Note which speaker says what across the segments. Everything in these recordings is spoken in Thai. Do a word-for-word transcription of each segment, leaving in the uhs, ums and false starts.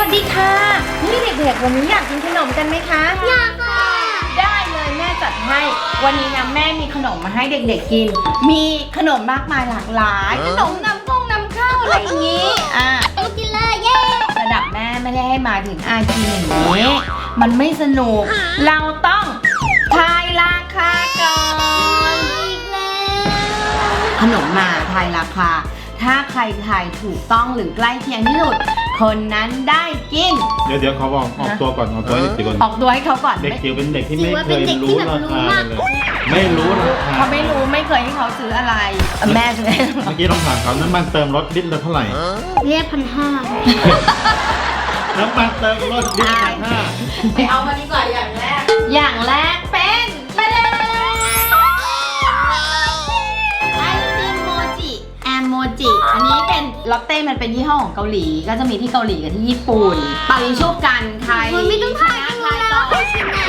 Speaker 1: ดีค่ะนี่เด็กๆวันนี้อยากกินขนมกันไหมคะ
Speaker 2: อยากค่ะ
Speaker 1: ได้เลยแม่จัดให้วันนี้นะแม่มีขนมมาให้เด็กๆกินมีขนมมากมายหลากหลายขนมนำกงนำเข้าอะไรอย่างนี้อ่ะ
Speaker 2: กินเลยเย้
Speaker 1: ระดับแม่ไม่ได้ให้มาถึงอากินอย่างนี้มันไม่สนุกเราต้องทายราคาก่อน
Speaker 2: อีกแล้ว
Speaker 1: ขนมมาทายราคาถ้าใครทายถูกต้องหรือใกล้เคียงที่สุดคนนั้นได้กิน
Speaker 3: เดี๋ยวเดี๋ยวเขาบอกออกตัวก่อนออกตัวให้เด็กจิ๋วก่อน
Speaker 1: ออกตัวให้เขาก่อน
Speaker 3: เด็กจิ๋วเป็นเด็กที่ไม่เคยรู้ราคาเลยไม่รู้ราคา
Speaker 1: เขาไม่รู้ไม่เคยให้เขาซื้ออะไรแม่จะได้
Speaker 3: เมื่อกี้ต้องถามเขาน้ำมันเติมรถลิตรละเท่าไหร่
Speaker 2: เรียกพันห้า
Speaker 3: น้ำมันเติมรถลิตรพันห้า
Speaker 1: ไปเอามาดีกว่าอย่างแรกอย่างแรกเป็นไปเลยไอติมโมจิแอมโมจิอันนี้เป็นลอตเต้มันเป็นยี่ห้อของเกาหลีก็จะมีที่เกาหลีกับที่ญี่ปุ่นปาริชุบกันใคร
Speaker 2: มันไม่ต้องถ่ายกันแล้วใครชนะ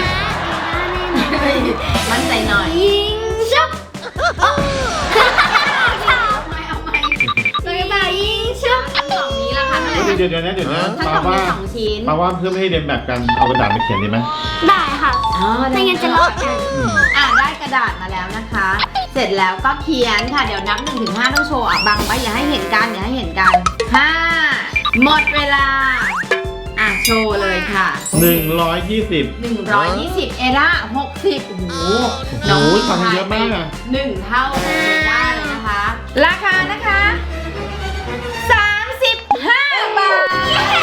Speaker 1: มั่นใจหน่อย
Speaker 2: ยิงชุบ
Speaker 1: เอาไหมเอาไหม
Speaker 2: เลยแบบยิงชุบ
Speaker 1: กล่องนี้ราคาเท่าไหร่
Speaker 3: เดี๋ยวเดี๋ยวนะเดี๋ยวนะ
Speaker 1: ถ้ากล่องมีสองชิ้น
Speaker 3: ปาว่าเพื่อไม่ให้เรียนแบบกันเอากระดาษมาเขียนดีไหม
Speaker 2: ได้ค่ะ
Speaker 1: อ๋อ
Speaker 2: ไม่งั้นจะลอกกัน
Speaker 1: อ่ะได้กระดาษมาแล้วนะคะเสร็จแล้วก็เขียนค่ะเดี๋ยวนับหนึ่งถึงห้าต้องโชว์อ่ะบังไว้อย่าให้เห็นกันอย่าให้เห็นกันห้าหมดเวลาอ่ะโชว์เลยค่ะ
Speaker 3: หนึ่งร้อยยี่สิบ
Speaker 1: หนึ่งร้อยยี่สิบเอร่าหกสิบโอ้โห
Speaker 3: น้องฟังเยอะมากอ่ะ
Speaker 1: หนึ่งเท่าเอร่าเลยนะคะราคานะคะสามสิบห้าบาท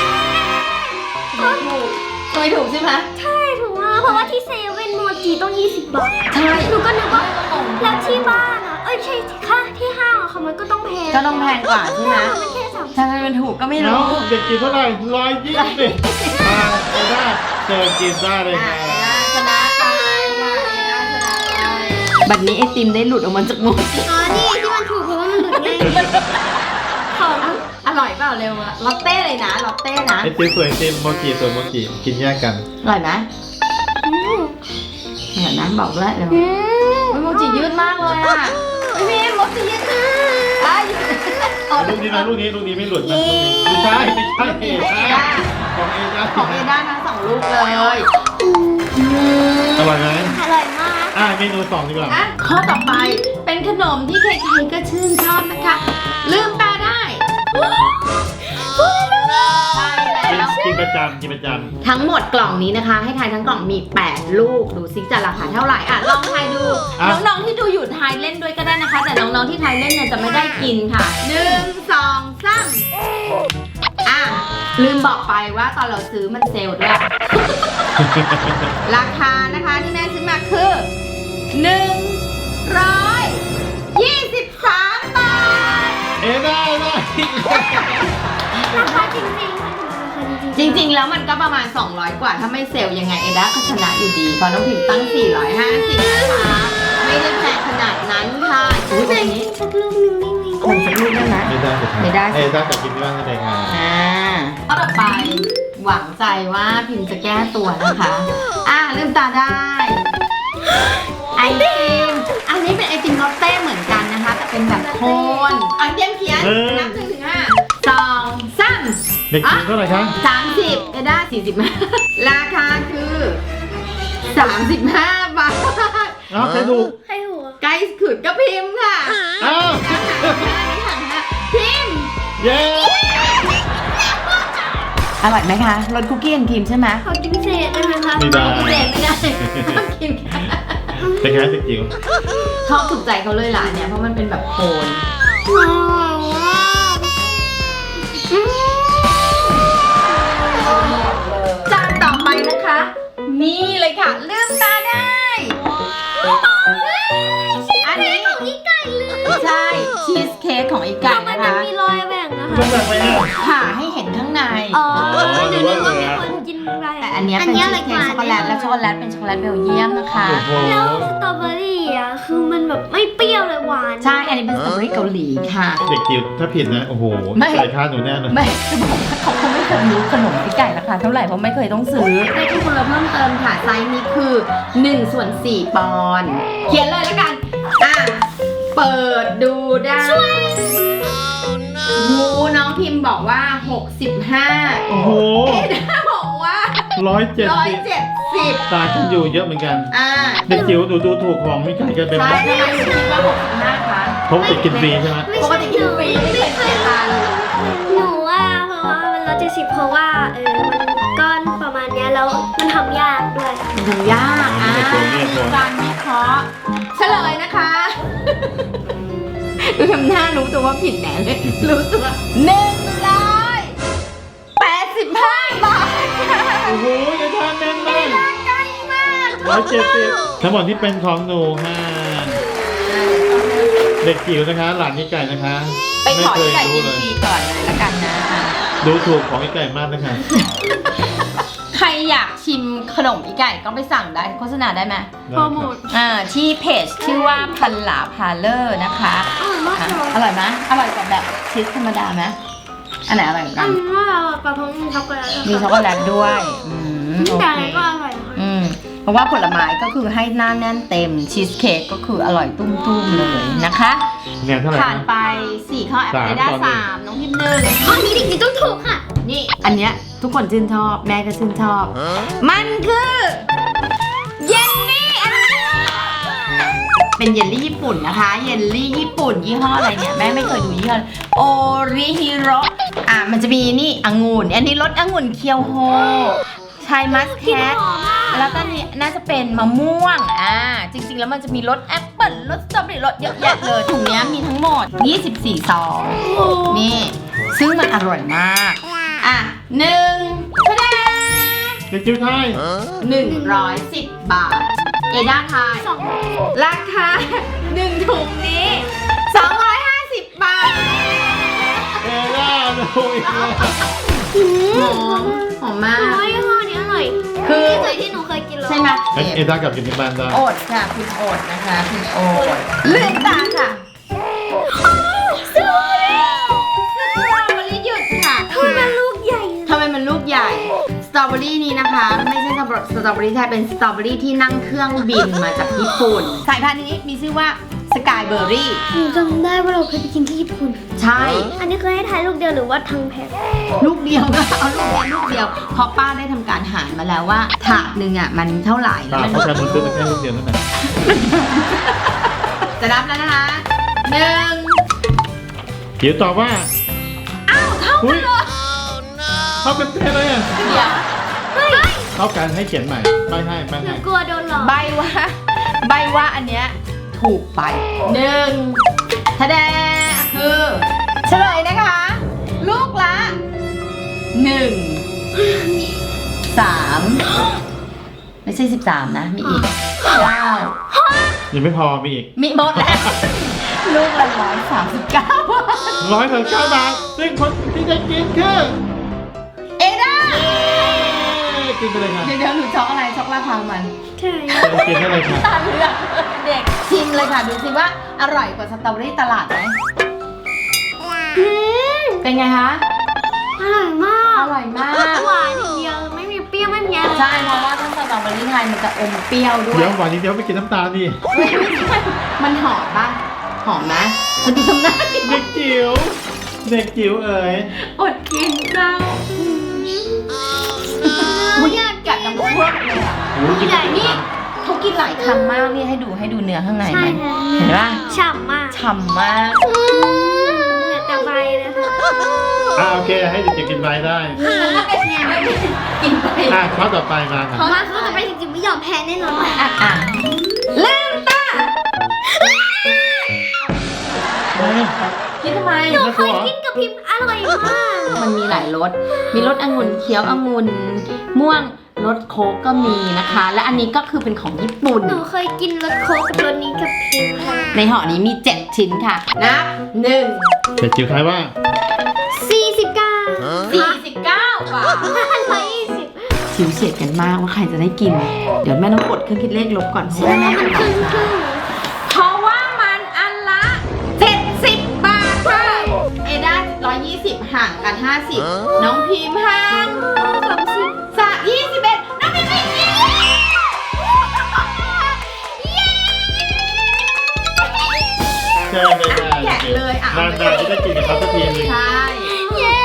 Speaker 1: ถูกทำไมถูกใช่ไหม
Speaker 2: ใช่ถูกมากเพราะว่าที่เซเว่นโมจิต้องยี่สิบบาท
Speaker 1: ใช่
Speaker 2: หนูก็นึกว่าแล้วที่บ้านอ่ะเอ้ยใช่ค่ะที่ห้างอ่ะเขามันก็ต้องแพง
Speaker 1: ก็ต้องแพงกว่าใช่ไหม
Speaker 2: มันแค่สาม
Speaker 1: ทำไมมันถูกก็ไม่รู้
Speaker 3: เด็กกินเท่าไหร่ร้อยยี่สิบมาได้เจอกินได้เลยค่ะ
Speaker 1: ชนะไปค่ะบัดนี้ไอติมได้หลุดออกมาจากมือ
Speaker 2: อ๋อนี่ที่มันถูกเพราะว่ามันหลุดง่าย
Speaker 1: ของอร่อยเปล่าเร็วอะลอตเต้เลยนะลอตเต้นะ
Speaker 3: ไอติมสวยไอติมโมจิสวยโมจิกินแยกกัน
Speaker 1: อร่อยไหมอร่อยนะบอกด้วยเร็วโมจิยืดมากเลยอะพี่โมจิยืดมาก
Speaker 3: ลูกนี้นะลูกนี้ลูกนี้ไม่หลุดนะไม่ใช่ไม่ใช่ของเอด้า
Speaker 1: ของเอด้าทั้งสองลูกเลย
Speaker 3: อร่อยไหม
Speaker 2: อร่อยมาก
Speaker 3: อ่ะเมนูสองดีกว่า
Speaker 1: ข้อต่อไปเป็นขนมที่ใครๆก็ชื่นชอบนะคะลืมตาได้
Speaker 3: กินประจำกินประจำ
Speaker 1: ทั้งหมดกล่องนี้นะคะให้ทายทั้งกล่องมีแปดลูกดูซิจะราคาเท่าไหร่อ่ะลองทายดูน้องๆที่ดูอยู่ทายเล่นด้วยก็ได้นะคะแต่น้องๆที่ทายเล่นเนี่ยจะไม่ได้กินค่ะหนึ่งสองสามอ่ะลืมบอกไปว่าตอนเราซื้อมันเซลล์ด้วยราคานะคะที่แม่ซื้อมาคือหนึ่งร้อยยี่สิบสามบาท
Speaker 3: เอ๊ะได้ได้
Speaker 2: ราคาจริง
Speaker 1: จริงๆแล้วมันก็ประมาณสองร้อยกว่าถ้าไม่เซลล์ยังไงเอด้าก็ชนะอยู่ดีเพราะน้องพิมตั้งสี่ร้อยห้าสิบนะคะไม่ได้แพงขนาดนั้นค่ะอุ้ยอันนี้
Speaker 2: สักลูกนึงได้ไหม
Speaker 1: คนสักลูกได้ไหม
Speaker 3: ไม่ได้
Speaker 1: ไม่ได้
Speaker 3: เอด้าแต่กินไม่ได้ก็ได้ค่ะ
Speaker 1: อ่าข้อต่อไปหวังใจว่าพิมจะแก้ตัวนะคะอ่าลืมตาได้ไอติมอันนี้เป็นไอติมลอตเต้เหมือนกันนะคะแต่เป็นแบบโคนอันเดียมเขียนนับหนึ่งถึงห้าสองสาม
Speaker 3: เด็กกินเท่าไหร่คะ
Speaker 1: สามสิบเอด้าสี่สิบห้าราคาคือสามสิบห้าบาท
Speaker 3: อ้าวใครถูก
Speaker 2: ใครถูก
Speaker 1: ใกล้ขืดก็พิมพ์ค่ะ
Speaker 3: อ้าว
Speaker 1: พิมพ์
Speaker 3: เย้
Speaker 1: อร่อยไหมคะรสคุกกี้แอนด์ครีมใช่ไหม
Speaker 2: ขอกินเศษได้ไหมคะ
Speaker 3: ไม่ได้
Speaker 1: เศษไม่ได้ต้องกินค่ะ
Speaker 3: เป็นไงเด็กจิ๋ว
Speaker 1: ชอบถูกใจเขาเลยล่ะเนี่ยเพราะมันเป็นแบบโคนจานต่อไปนะคะนี่เลยค่ะลืมตาได้อันนี้
Speaker 2: ของอีไก่เลย
Speaker 1: ใช่ชีสเค้กของอีไก่นะคะ
Speaker 2: มันมีรอยแบ่งนะคะ
Speaker 3: แบ่งไปเนี่ย
Speaker 1: ผ่าให้เห็นข้างใน
Speaker 2: อ๋อเดี๋ยวนึกว่ามีคนกินอะไร
Speaker 1: แต่อันนี้เป็นชีสเค้กช็อกโกแลตและช็อกโกแลตเป็นช็อกโกแลตเบลเยียมนะคะ
Speaker 2: แล้วสตรอเบอรี่อ่ะคือมันแบบไม่เปรี้ยวเลยหวาน
Speaker 1: ใช่อันนี้เป็นสตรอเบอรี่เกาหลีค่ะ
Speaker 3: เด็กจิ๋วถ้าผิดนะโอ้โหใส่ค่าหนูแน่เลย
Speaker 1: ไม่จะบอกว่าเขาคงไม่เคยรู้ขนมอีไก่ราคาเท่าไหร่เพราะไม่เคยต้องซื้อได้ที่คุณเราเพิ่มเติมค่ะไซส์นี้คือหนึ่งส่วนสี่ปอนด์เขียนเลยแล้วกันอ่ะเปิดดูได้งูน้องพิมพ์บอกว่าหกสิบห้า
Speaker 3: โอ้โห
Speaker 1: เอด้าบอกว่า
Speaker 3: ร้อยเจ็ด
Speaker 1: ร้อย
Speaker 3: สิบ
Speaker 1: เจ็ดสิบ
Speaker 3: ตาฉันอยู่เยอะเหมือนกัน
Speaker 1: อ่า
Speaker 3: เด็กจิ๋วดูดูถูกของไม่ไก่กันเป็น
Speaker 1: ใช่ทำไมหนูคิดว่าหกสิบห้าคะ
Speaker 3: เขาติดกินฟรีใช่ไหม
Speaker 1: ปกติกินฟรีไม่เคยเสียตังค์
Speaker 2: หนูว่าเพราะว่ามันร้อยเจ็ดสิบเพราะว่าเออมันก้อนประมาณเนี้ยแล้วมันทำยากด้วย
Speaker 1: มันทำยากอ่ะมีการวิเคราะห์เฉลยนะคะดูทำหน้ารู้ตัวว่าผิดแน่เลย รู้ตัวหนึ่งร้อยแปดสิบห้าบาทค่ะ
Speaker 3: โอ้โหอย่าทานแน่นเลย
Speaker 1: ใกล้มาก
Speaker 3: ร้อยเจ็ดสิบทั้งหมดที่เป็นของหนูค่ะเด็กจิ๋วนะคะ หลานนี่ไก่นะคะ
Speaker 1: ไปขอ
Speaker 3: เค
Speaker 1: ที่
Speaker 3: ย
Speaker 1: ไก่
Speaker 3: รู้
Speaker 1: กิน
Speaker 3: เลย
Speaker 1: ฟรีก่อนเลยละกันนะ
Speaker 3: ดูถูกของไอ้ไก่มากนะคะ
Speaker 1: ใครอยากชิมขนมอีไก่ก็ไปสั่งได้โฆษณาได้ไหม
Speaker 3: โปรโมท
Speaker 1: อ่าที่เพจชื่อว่าพันหลาพาเลอร์นะคะ
Speaker 2: อร่อยมาก
Speaker 1: อ่ะ
Speaker 2: เลย
Speaker 1: อร่อยไหมอร่อยกว่าแบบชีสธรรมดาไหมอันไหนอร่อยกว่า
Speaker 2: อั
Speaker 1: กัน น
Speaker 2: นี้เราปลาพงมีช็อกโกแลต
Speaker 1: มีช็อกโกแลตด้วยอืมโอ
Speaker 2: แต่
Speaker 1: เค
Speaker 2: อะไรก็อร่อยนะคะ
Speaker 1: อืมเพราะว่าผลไม้ก็คือให้หน้าแน่นเต็มชีสเค้กก็คืออร่อยตุ้มๆเลยนะคะ
Speaker 3: เนี่ยเท่าไหร่
Speaker 1: ผ่าน
Speaker 3: นะ
Speaker 1: ไปสี่ข้อแอป
Speaker 3: สาม
Speaker 1: เอด้า
Speaker 3: ต่อหนึ่ง
Speaker 1: สามน้องพิมพ์หนึ่ง
Speaker 2: ข้อนี้เด็กๆต้องถูกค่ะ
Speaker 1: นี่อันเนี้ยทุกคนชื่นชอบแม่ก็ชื่นชอบ มันคือเยลลี่อันนี้เป็นเยลลี่ญี่ปุ่นนะคะ เยลลี่ญี่ปุ่นยี่ห้ออะไรเนี่ยแม่ไม่เคยดูยี่ห้อโอริฮิโรอ่ะมันจะมีนี่องุ่นอันนี้รสองุ่นเคียวโฮชายมัสแคทแล้วก็นี่น่าจะเป็นมะม่วงอ่าจริงๆแล้วมันจะมีรสแอปเปิ้ลรสสตรอเบอรี่รสเยอะแยะเลยถุงเนี้ยมีทั้งหมดยี่สิบสี่ซองนี่ ซึ่งมันอร่อยมาก อ่ะหนึ่งคะแนน
Speaker 3: เด็กจิ๋วไทย
Speaker 1: หนึ่งร้อยสิบบาท เอด้าทาย
Speaker 2: สอง
Speaker 1: ราคาหนึ่งถุงนี้สองร้อยห้าสิบบาท
Speaker 3: เอล่าดูอีกแล้ว
Speaker 2: หื
Speaker 1: ห
Speaker 2: ม
Speaker 1: อมหอมมาก
Speaker 2: โอ้ยยี่ห้อนี้อร่อย
Speaker 1: คือ
Speaker 2: ที่สุดที่หนูเคยกินเลย
Speaker 1: ใช่ไหม
Speaker 3: เอล่ากลับกินที่บ้านได้
Speaker 1: โอดค่ะ คุณโอดนะคะ คุณโอดเลื่อนตาค่ะสตรอเบอรี่หยุดค่ะ
Speaker 2: ทำไมมันลูกใหญ่
Speaker 1: ทำไมมันลูกใหญ่ สตรอเบอรี่นี้นะคะ ไม่ใช่สตรอเบอรี่ไทยเป็นสตรอเบอรี่ที่นั่งเครื่องบินมาจากญี่ปุ่น สายพันธุ์นี้มีชื่อว่าสกายเบอร์รี่
Speaker 2: หนูจำได้ว่าเราเคยไปกินที่ญี่ปุ่น
Speaker 1: ใช่
Speaker 2: อันนี้เคยให้ทายลูกเดียวหรือว่าทั้งแพ็ค
Speaker 1: ลูกเดียวก็เอาลูกเดียวลูกเดียวเพราะป้าได้ทำการหารมาแล้วว่าถาดหนึ่งอ่ะมันเท่าไหร่
Speaker 3: ตา
Speaker 1: แล้ว
Speaker 3: เขา
Speaker 1: มัน
Speaker 3: ใช้มือซื้อแค่ลูกเดียวนั่นแหละ
Speaker 1: จะนับแล้วนะคะหนึ่ง
Speaker 3: จิ๋วตอบว่า
Speaker 1: อ้าวเท่ากันเลย
Speaker 3: เขาเป็นเท่เลยอ่ะ
Speaker 1: เดี๋ยว
Speaker 3: เขาการให้เขียนใหม่ไม่ให้ไม่
Speaker 2: หนู
Speaker 3: ให้
Speaker 2: กลัวโดนหลอก
Speaker 1: ใบว่าใบว่าอันเนี้ยถูกไปหนึ่งทะแดคือเฉลยนะคะ ลูกละหนึ่งสามไม่ใช่สิบสามนะ มีอีกเก้า
Speaker 3: ยังไม่พอมีอีก
Speaker 1: มีหมดแล้ว ลูกละร้อยสามสิบเก้า
Speaker 3: ร้อยสามสิบเก้าบาทซึ่งคนที่ได้กินคือ
Speaker 1: เอด้า
Speaker 3: กินไปเลยค่ะ
Speaker 1: เดี๋ยวเดี๋ยวหนูช็อกอะไรช็อกราคามัน
Speaker 2: ใช่
Speaker 3: กินได้เลยค่ะ
Speaker 1: ตาเลือกเด็กชิมเลยค่ะ ดูสิว่าอร่อยกว่าสตรอเบอรี่ตลาดไหม
Speaker 2: อืม
Speaker 1: เป็นไงคะ
Speaker 2: อร่อยมาก
Speaker 1: อร่อยมาก
Speaker 2: หวานอย่างเดียวไม่มีเปรี้ยวไม่มีอะไร
Speaker 1: ใช่เพราะว่าถ้าสตรอเบอรี่ไทยมันจะอมเปรี้ยวด้วย
Speaker 3: เดี๋ยวหวานนิดเดียวไม่กินน้ำตาลดิ
Speaker 1: ไม่ใช่มันหอมปะหอมไหมมันดูทำหน้าดิ
Speaker 3: เด็กจิ๋วเด็กจิ๋วเอ๋ย
Speaker 1: อดกินเจ้าอุ้ยกัดน้ำพวกเลยอ่ะ
Speaker 3: โอ้โหกิน
Speaker 1: ใหญ่นี่เขากินหลายคำมากนี่ให้ดูให้ดูเนื้อข้างใน
Speaker 2: ใช่
Speaker 1: ไหม
Speaker 2: ค่ะ
Speaker 1: เห็นปะ
Speaker 2: ฉ่ำมาก
Speaker 1: ฉ่ำมาก
Speaker 2: อืมเหลือแต่ใบนะคะ
Speaker 3: อ่าโอเคให้เด็กจิ๋วกินไปได้
Speaker 1: กินไป
Speaker 3: อ่ะข้อต่อไปมาค่ะ
Speaker 2: มาเขาจะไปจริงๆไม่ยอมแพ้แน่นอน
Speaker 1: อ่ะอ่ะเริ่มตา
Speaker 3: เฮ้ย
Speaker 1: คิดทำไม
Speaker 2: หนูเคยกินกับพิมพ์อร่อยมาก
Speaker 1: มันมีหลายรส มีรสองุ่นเขียวองุ่นม่วงรสโค้กก็มีนะคะ และอันนี้ก็คือเป็นของญี่ปุ่น
Speaker 2: หนูเคยกินรสโค้กกับรสนี้กับพิมพ์ค่ะ
Speaker 1: ในห่อนี้มีเจ็ดชิ้นค่ะนับหนึ่ง
Speaker 3: เด็กจิ๋วทายว่า
Speaker 2: สี่สิบเก้า
Speaker 1: สี่สิบเก้าบาท
Speaker 2: ร้อยยี่สิบ
Speaker 1: ชิวเฉียดกันมากว่าใครจะได้กิน เดี๋ยวแม่ต้องกดเครื่องคิดเลขลบก่อนเพราะ
Speaker 2: ใช่
Speaker 1: ว่า
Speaker 2: ไหม
Speaker 1: แม่
Speaker 2: มัน
Speaker 1: จะ
Speaker 2: ครึ่งครึ่ง
Speaker 1: เพราะว่ามันอันละเจ็ดสิบบาทค่ะ เอด้าร้อยยี่สิบห่างกันห้าสิบน้องพิมพ์ห่างสามสิบสามยี่สิบเอ็ดน้องพิมพ์ยี่สิบ
Speaker 3: ใช่เลยค่ะ
Speaker 1: แกะเลยอ่ะ
Speaker 3: นานๆจะได้กินกับเขาสักทีหนึง
Speaker 1: ใช่
Speaker 2: เย้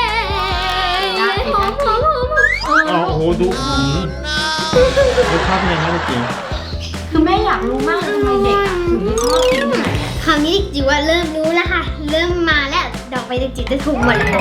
Speaker 3: ทุกอืมรสชาติเป็นยังไงเมื่อกี้
Speaker 1: คือแม่อยากรู้มากทำไมเด็กอะถึงได้ชอบกินขนาดเนี้ย
Speaker 2: คราวนี้จิ๋วว่าเริ่มรู้แล้วค่ะ เริ่มมาแล้วดอกไปจิ๋วจะถูกหมดเลย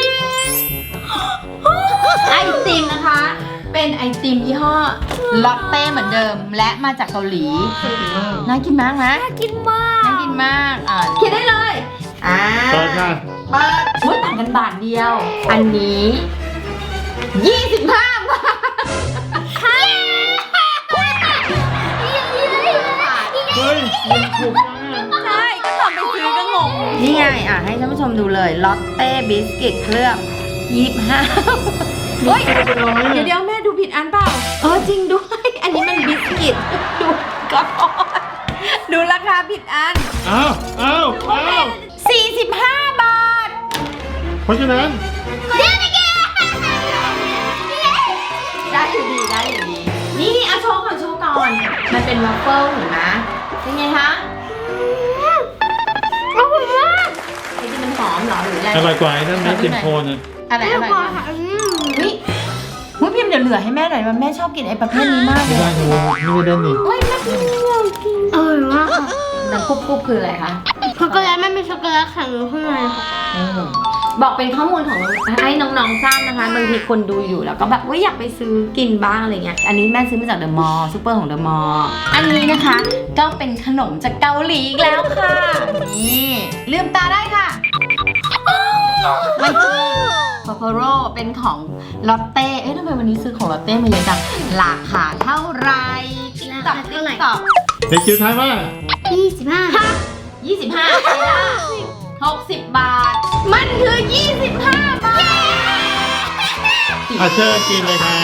Speaker 1: ไอติมนะคะ เป็นไอติมยี่ห้อลอตเต้เหมือนเดิม และมาจากเกาหลี น่ากินมากนะ
Speaker 2: น่ากินมาก
Speaker 1: น่ากินมาก อ่าคิดได้เลย อ่า
Speaker 3: เปิดค่ะ
Speaker 1: เปิดอุ้ยต่างกันบาทเดียว อันนี้ยี่สิบห้าบาท
Speaker 3: เฮ้ยมันถูกมาก
Speaker 1: ใช่ ก็ตอนไปซื้อก็งง นี่ไง อ่ะ ให้ท่านผู้ชมดูเลยลอตเต้บิสกิตเคลือบยี่สิบห้าเฮ้ย
Speaker 3: เป็นร้อย
Speaker 1: เดี๋ยวเดี๋ยวแม่ดูผิดอันเปล่าเออจริงด้วย อันนี้มันบิสกิต ดูก่อนดูราคาผิดอัน
Speaker 3: อ้าวอ้าวอ้าว
Speaker 1: สี่สิบห้าบาท
Speaker 3: เพราะฉะนั้น
Speaker 1: ได้อยู่ดีได้อยู่ดี นี่นี่เอาโชว์ก่อนโชว์ก่อน มันเป็นวัฟเฟิลเห็นไหมเป็นไงคะ
Speaker 2: อร่อยมาก
Speaker 1: ไอ้ที่มันหอมเหรอหรืออะไร
Speaker 3: อร่อยกว่าไอ้นั่นนะเต็มโคนอ่ะ
Speaker 1: อะไร
Speaker 2: ไม่
Speaker 1: อะไร
Speaker 2: พอค่ะอืม
Speaker 1: เฮ้ยเฮ้ยพิมพ์เดี๋ยวเหลือให้แม่หน่อยว่าแม่ชอบกินไอ้ประเภทนี้มากเล
Speaker 3: ไม่
Speaker 1: ย
Speaker 3: ได้เลยไม่ได้นี่
Speaker 1: เฮ้ยแม่กินเดียวกิน
Speaker 2: อร่อยมากค่ะ
Speaker 1: น้ำกุ๊บกุ๊บคืออะไรคะ
Speaker 2: ช็อกโกแลตไม่เป็นช็อกโกแลตแข็งอยู่ข้างในค่ะ
Speaker 1: บอกเป็นข้อมูลของให้น้องๆทราบนะคะบางทีคนดูอยู่แล้วก็แบบว่าอยากไปซื้อกินบ้างอะไรเงี้ยอันนี้แม่ซื้อมาจากเดอะมอลล์ซูเปอร์ของเดอะมอลล์อันนี้นะคะก็เป็นขนมจากเกาหลีอีกแล้วค่ะนี่ลืมตาได้ค่ะมันคือโคโคโร่เป็นของลอตเต้เอ๊ะทำไมวันนี้ซื้อของลอตเต้มาเยอะจังราคาเท่าไหร่ติ๊กต็อกติ๊กต็อก
Speaker 3: เด็กจิ๋วทายว่า
Speaker 2: ยี่สิบห้า
Speaker 1: ยี่สิบห้าเอล่าหกสิบบาท มันคือยี่สิบห้าบาท
Speaker 3: อ่ะเชิญกินเลยค่ะ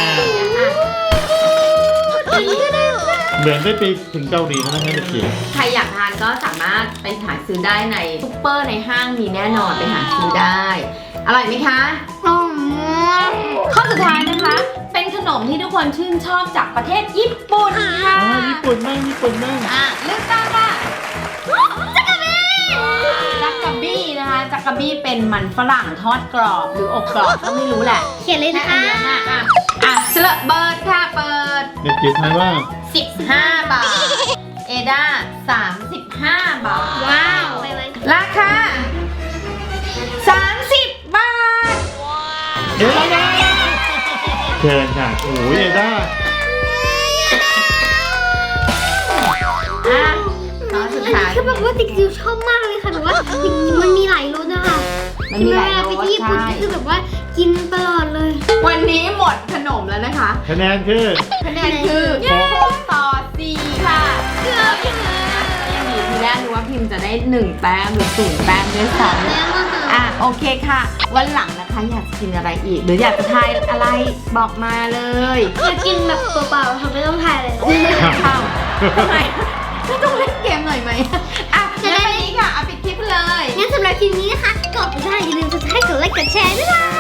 Speaker 3: เหมือนได้ไปถึงเกาหลีแล้วนะเด็กจิ๋ว
Speaker 1: ใครอยากทานก็สามารถไปหาซื้อได้ในซุปเปอร์ในห้างมีแน่นอนไปหาซื้อได้ อร่อยไหมคะ
Speaker 2: อร่อยมาก
Speaker 1: ข้อสุดท้ายนะคะ เป็นขนมที่ทุกคนชื่นชอบจากประเทศญี่ปุ่นค่ะ
Speaker 3: อ๋อญี่ปุ่นมากญี่ปุ่นมาก
Speaker 1: อ่ะเลือกตามค่ะจักกะบี้นะคะจักกะบี้เป็นมันฝรั่งทอดกรอบหรืออบกรอบก็ไม่รู้แหละ
Speaker 2: เขียนเลย
Speaker 1: แค่
Speaker 2: นะ
Speaker 1: อัน
Speaker 2: คะ
Speaker 1: เดียวนะอ่ะอ่ะเสลอเบิร์ดค่ะเปิด
Speaker 3: เด็กจิ๋วทายว่า
Speaker 1: สิบห้าบาท เอด้าสามสิบห้าบาท
Speaker 2: ว้าวไปไหม
Speaker 1: ราคาสามสิบบาท
Speaker 3: เอ๊ะเชิญค่ะโอ้ยเอด้า
Speaker 1: อ่ะตอนสุด
Speaker 2: อัน
Speaker 1: ท้า
Speaker 2: นี้
Speaker 1: ย
Speaker 2: คือแบบว่าติ๊กจิ๋วชอบมากเลยค่ะแบบว่ามันมีหลายรสนะคะ
Speaker 1: มันมีหลายร
Speaker 2: ไป
Speaker 1: ส
Speaker 2: ที่ญี่ปุ่น
Speaker 1: ใช่
Speaker 2: คือแบบว่ากินตลอดเลย
Speaker 1: วันนี้หมดขนมแล้วนะคะ
Speaker 3: คะแนนคือ
Speaker 1: คะแนนคือหกต่อสี่ค่ะเกือบยังไงยังดีทีแรกนึกว่าพิมพ์จะได้หนึ่งแต้มหรือศูนย์แต้มด้วยซ้ำ
Speaker 2: แล้วอะค่ะ
Speaker 1: อ่ะโอเคค่ะ วันหลังนะคะอยากจะกินอะไรอีก หรืออยากจะทายอะไรบอกมาเลย
Speaker 2: อยากกินแบบเปล่าๆค่ะไม่ต้องทายเลย
Speaker 1: เข้าทำไมไม่ต้องเล่นเกมหน่อยไหมอ่ะงั้นวันนี้ค่ะเอาปิดคลิปเลย
Speaker 2: งั้นสำหรับคลิปนี้นะคะกดไปได้อย่าลืมกดไลค์กดไลค์กดแชร์ด้วยนะ